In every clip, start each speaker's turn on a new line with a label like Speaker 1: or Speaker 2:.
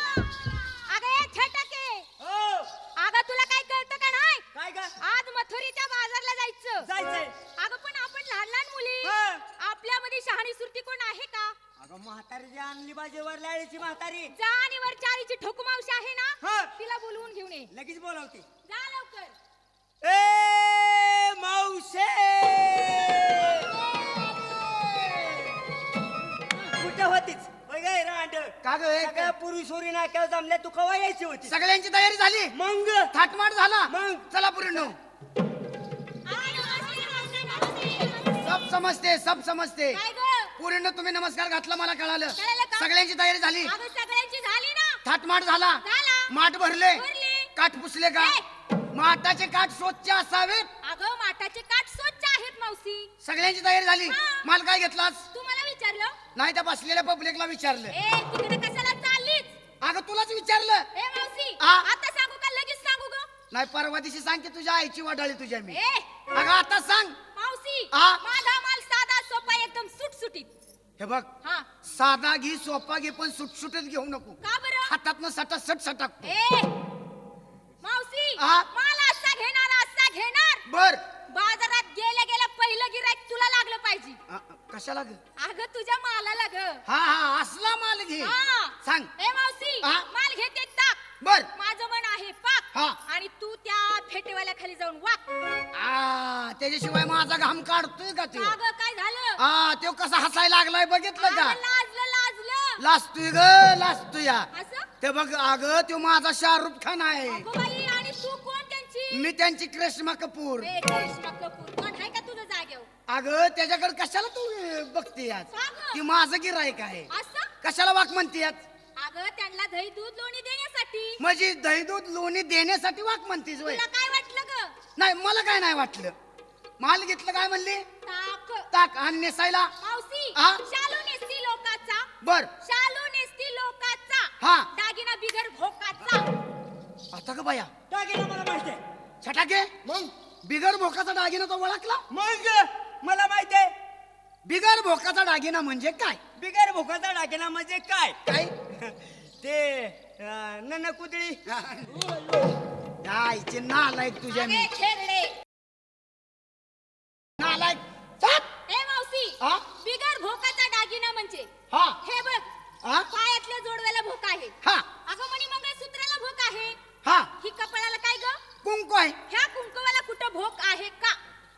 Speaker 1: अगं ए छटाके,
Speaker 2: हो
Speaker 1: अगं तुला काय कळतं का नाही?
Speaker 2: काय ग
Speaker 1: आज मथुरीच्या बाजारला जायचं.
Speaker 2: जायचंय
Speaker 1: अगं पण आपण लहान लहान मुली,
Speaker 2: हं.
Speaker 1: आपल्यामध्ये शहाणी सुरती कोण आहे का?
Speaker 2: अगं म्हातारी जी आणली बाजेवर लाळीची म्हातारी
Speaker 1: जाणीवर चारीची ठोकू मावशी आहे ना,
Speaker 2: हं.
Speaker 1: तिला बोलवून घेऊन ये.
Speaker 2: लगेच बोलावते
Speaker 1: जा लवकर.
Speaker 2: ए मावशे कुठे होतीच होय गे रांड
Speaker 3: का ग हे
Speaker 2: सगळ्या पुरुष होरी नाक्यावर जमल्या तू कवा यायची होती
Speaker 3: सगळ्यांची तयारी झाली
Speaker 2: मग
Speaker 3: थाटमाट झाला
Speaker 2: मग?
Speaker 3: चला पुरीनो सब समजते
Speaker 1: काय गं?
Speaker 3: पुरीनो तुम्ही नमस्कार घातला मला कळालं
Speaker 1: कळालं का?
Speaker 3: सगळ्यांची तयारी झाली
Speaker 1: अगं सगळ्यांची झाली ना?
Speaker 3: थाटमाट झाला
Speaker 1: झाला.
Speaker 3: माठ भरले
Speaker 1: भरले.
Speaker 3: काठ पुसले का
Speaker 1: ए!
Speaker 3: माठाचे काठ स्वच्छ असावेत
Speaker 1: अगं माठाचे काठ स्वच्छ आहेत मावशी.
Speaker 3: सगळ्यांची तयारी झाली
Speaker 1: हा.
Speaker 3: माल काय घेतलास
Speaker 1: तू मला विचारलं?
Speaker 3: नाही त्या बसलेल्या पब्लिकला विचारलं
Speaker 1: ए तिकडे कशाला चाललीस?
Speaker 3: अगं तुलाच विचारलं
Speaker 1: ए मावशी,
Speaker 3: आ?
Speaker 1: आता सांगू का लगेच सांगू ग?
Speaker 3: नाही परवा दिवशी सांग की तुझ्या आईची वडाळी तुझ्या मी
Speaker 1: ए
Speaker 3: अगं आता सांग
Speaker 1: मावशी,
Speaker 3: आ?
Speaker 1: माझा माल साधा सोपा एकदम सुटसुटीत.
Speaker 3: हे बघ
Speaker 1: हा
Speaker 3: साधा घे सोपा घे पण सुटसुटीत घेऊ नको
Speaker 1: का बरं?
Speaker 3: हातातनं सटासट सटाकतो
Speaker 1: ए मावशी,
Speaker 3: आ?
Speaker 1: माल असा घेणार.
Speaker 3: बर
Speaker 1: बाजारात गेल्या गेल्या पहिलं गिराईक तुला लागलं पाहिजे.
Speaker 3: कशाला ग
Speaker 1: अगं तुझ्या मालाला ग.
Speaker 3: हा असला माल घे
Speaker 1: हा.
Speaker 3: सांग
Speaker 1: ए मावशी,
Speaker 3: आ?
Speaker 1: माल घेते टाक.
Speaker 3: बर
Speaker 1: माझं मन आहे पाक.
Speaker 3: हा.
Speaker 1: आणि तू त्या फेटेवाल्या खाली जाऊन वाक.
Speaker 3: त्याच्याशिवाय माझा घाम काढतोय का तो
Speaker 1: अगं काय झालं?
Speaker 3: तो कसा हसायला लागलाय बघितलं का
Speaker 1: अगं, लाजलं.
Speaker 3: लाजतोय ग लाजतोय
Speaker 1: असं?
Speaker 3: ते बघ अगं तो माझा शाहरुख खान आहे
Speaker 1: अगं बाई, आणि तू कोण त्यांची?
Speaker 3: मी त्यांची करिश्मा कपूर
Speaker 1: ए, करिश्मा कपूर. कोण आहे का तुझं जागेवर?
Speaker 3: अगं त्याच्याकडे कशाला तू बघतेयास
Speaker 1: का गं?
Speaker 3: ती माझं गिरायक आहे
Speaker 1: असं?
Speaker 3: कशाला वाक म्हणतेयास
Speaker 1: अगं त्यांना दही दूध लोणी देण्यासाठी.
Speaker 3: म्हणजे दही दूध लोणी देण्यासाठी वाक म्हणतीस वय
Speaker 1: तुला काय वाटलं ग?
Speaker 3: नाही मला काय नाही वाटलं माल घेतलं काय म्हणली
Speaker 1: ताक.
Speaker 3: ताक आणि नेसायला
Speaker 1: मावशी,
Speaker 3: आ?
Speaker 1: शालू नेसती लोकाचा.
Speaker 3: बर
Speaker 1: शालू नेसती लोकाचा.
Speaker 3: हा.
Speaker 1: दागिना बिगर भोकाचा.
Speaker 3: आता ग बाया
Speaker 2: दागिना मला माहिती आहे
Speaker 3: छटाके
Speaker 2: मग
Speaker 3: बिगर भोकाचा दागिना तो ओळखला
Speaker 2: मग मला माहिती आहे
Speaker 3: बिगर भोकाचा दागिना म्हणजे काय
Speaker 2: बिगर भोकाचा दागिना म्हणजे काय
Speaker 3: काय
Speaker 2: ते नन कुदळी
Speaker 3: आईचे नालायक तुझ्या मी
Speaker 1: अगे खेरडे.
Speaker 3: नालायक चाप.
Speaker 1: ए मावशी,
Speaker 3: आ?
Speaker 1: बिगर भोकाचा दागिना म्हणजे
Speaker 3: हा
Speaker 1: हे बघ,
Speaker 3: आ?
Speaker 1: पायातल्या जोडव्याला भोक आहे.
Speaker 3: हा
Speaker 1: अगं मणी मंगळसूत्राला भोक आहे.
Speaker 3: हा
Speaker 1: ही कपाळाला काय ग?
Speaker 3: कुंकू आहे
Speaker 1: ह्या कुंकवाला कुठं भोक आहे का?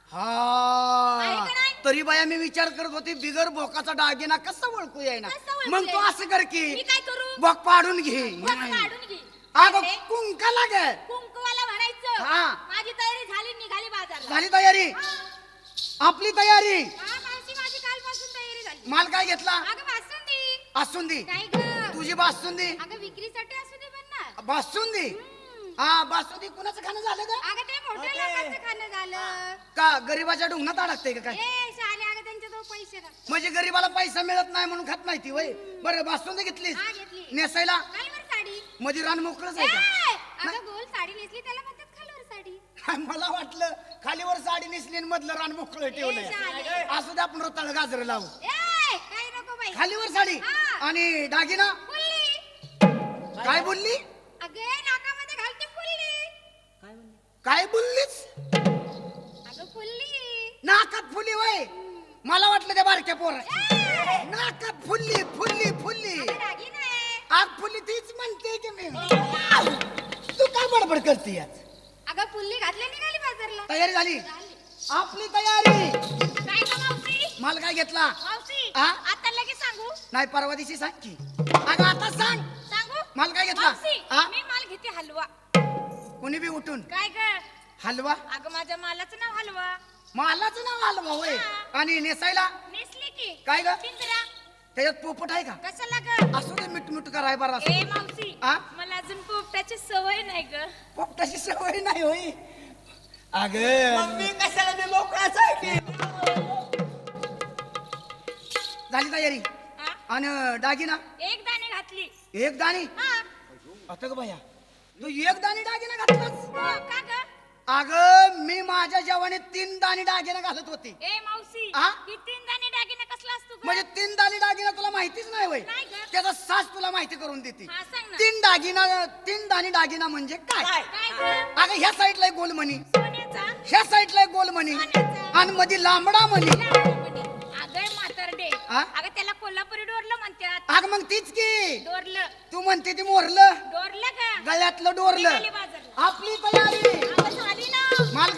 Speaker 1: आहे
Speaker 3: हा
Speaker 1: का नाही?
Speaker 3: तरी बाया मी विचार करत होती बिगर भोकाचा दागिना कसा ओळखू येईना
Speaker 1: कसं ओळखू
Speaker 3: मग तू
Speaker 1: येईना?
Speaker 3: असं कर
Speaker 1: मी
Speaker 3: की
Speaker 1: काय करू?
Speaker 3: भोक पाडून घे
Speaker 1: भोक काढून घे.
Speaker 3: अगं
Speaker 1: अरे,
Speaker 3: कुंका लागे
Speaker 1: कुंकवाला म्हणायचं
Speaker 3: हा.
Speaker 1: माझी तयारी झाली, निघाली बाजारला.
Speaker 3: झाली तयारी
Speaker 1: हा.
Speaker 3: आपली तयारी
Speaker 1: हा, मावशी, माझी कालपासून तयारी झाली.
Speaker 3: माल काय घेतला
Speaker 1: अगं बासुंदी.
Speaker 3: बासुंदी
Speaker 1: काय ग?
Speaker 3: तुझी बासुंदी
Speaker 1: अगं विक्रीसाठी असू दे पण ना.
Speaker 3: बासुंदी हा बासुंदी कुणाचं खाणं झालं का
Speaker 1: अगं ते मोठ्या
Speaker 2: ओके.
Speaker 1: लोकांचं खाणं झालं.
Speaker 3: का गरीबाच्या ढुंगणात अडकते का काय
Speaker 1: ए शाले, अगं त्यांच्याजवळ पैसे का?
Speaker 3: म्हणजे गरीबाला पैसा मिळत नाही म्हणून खात नाही ती वय बरं बासुंदी घेतलीस
Speaker 1: हा, घेतली.
Speaker 3: नेसायला
Speaker 1: खालीवर साडी.
Speaker 3: मध्ये रान मोकळच आहे
Speaker 1: ए, अगं गोल साडी नेसली त्याला म्हणतात खालीवर साडी.
Speaker 3: का मला वाटलं खालीवर साडी नेसली आणि मधलं रान मोकळं ठेवलंय
Speaker 1: शाले.
Speaker 3: असू दे आपण रताळ गाजर लावू
Speaker 1: ए, काही नको बाई.
Speaker 3: खालीवर साडी
Speaker 1: हा.
Speaker 3: आणि दागिना
Speaker 1: फुल्ली.
Speaker 3: काय बोलली
Speaker 1: अगे नाकामध्ये घालते फुल्ली.
Speaker 3: काय बोललीस
Speaker 1: अगं फुल्ली.
Speaker 3: नाकात फुली वय मला वाटलं त्या बारक्या पोर
Speaker 1: ए,
Speaker 3: नाकात फुल्ली फुल्ली फुल्ली
Speaker 1: अगं दागिना आहे.
Speaker 3: आग फुल्ली तीच म्हणते की मी तू काय बडबड करते यात
Speaker 1: अगं फुल्ली घातली, निघाली बाजारला.
Speaker 3: तयारी झाली
Speaker 1: झाली.
Speaker 3: आपली तयारी
Speaker 1: काय गं मावशी?
Speaker 3: माल काय घेतला
Speaker 1: मावशी,
Speaker 3: आ?
Speaker 1: आता लगेच सांगू?
Speaker 3: नाही परवा दिवशी सांग की अगं आता सांग
Speaker 1: सांगू?
Speaker 3: माल काय घेतला
Speaker 1: मावशी,
Speaker 3: आ?
Speaker 1: मी माल घेते हलवा.
Speaker 3: कोणी बी उठून
Speaker 1: काय ग?
Speaker 3: हलवा
Speaker 1: अगं माझ्या मालाचं नाव हलवा.
Speaker 3: मालाचं नाव हलवा होय
Speaker 1: हा.
Speaker 3: आणि नेसायला
Speaker 1: नेसली की
Speaker 3: काय ग?
Speaker 1: पिंजरा.
Speaker 3: त्याच्यात पोपट आहे का
Speaker 1: कशाला ग?
Speaker 3: असू दे मिठ मिठ कराय बरा
Speaker 1: ए मावशी,
Speaker 3: आ?
Speaker 1: मला अजून पोपटाची सवय नाही ग.
Speaker 3: पोपटाची सवय नाही होय अग
Speaker 2: मग मी कशाला मी मोकळाच आहे की
Speaker 3: झाली तयारी
Speaker 1: हा?
Speaker 3: आणि दागिना
Speaker 1: एक दाणे घातली.
Speaker 3: एक दाणी
Speaker 1: हा.
Speaker 3: आता ग बाया तू एक दाणी दागिना घातलास
Speaker 1: हो, का ग?
Speaker 3: अगं मी माझ्या जेवणी 3 दाणी दागिना घालत होते
Speaker 1: ए मावशी,
Speaker 3: आ?
Speaker 1: ही 3 दाणे दागिने कसला बसलास तू ग?
Speaker 3: म्हणजे 3 दाणी दागिना तुला माहितीच नाही वय
Speaker 1: नाही ग.
Speaker 3: त्याचा सास तुला माहिती करून देते
Speaker 1: हा, सांग ना.
Speaker 3: 3 दाणी दागिना म्हणजे काय
Speaker 2: काय
Speaker 1: काय ग?
Speaker 3: अगं ह्या साईडला एक गोलमणी
Speaker 1: सोन्याचा
Speaker 3: ह्या साईडला एक गोलमणी
Speaker 1: सोन्याचा.
Speaker 3: आणि मध्ये लांबडा मणी
Speaker 1: अगं म्हातारडे,
Speaker 3: हा?
Speaker 1: अगं त्याला कोल्हापुरी डोरलं म्हणतात.
Speaker 3: अग मग तीच की
Speaker 1: डोरलं
Speaker 3: तू म्हणते ती मोरलं
Speaker 1: डोरलं का?
Speaker 3: गळ्यातलं डोरलं
Speaker 1: निघाली बाजारला.
Speaker 3: आपली तयारी
Speaker 1: अगं झाली ना.
Speaker 3: माल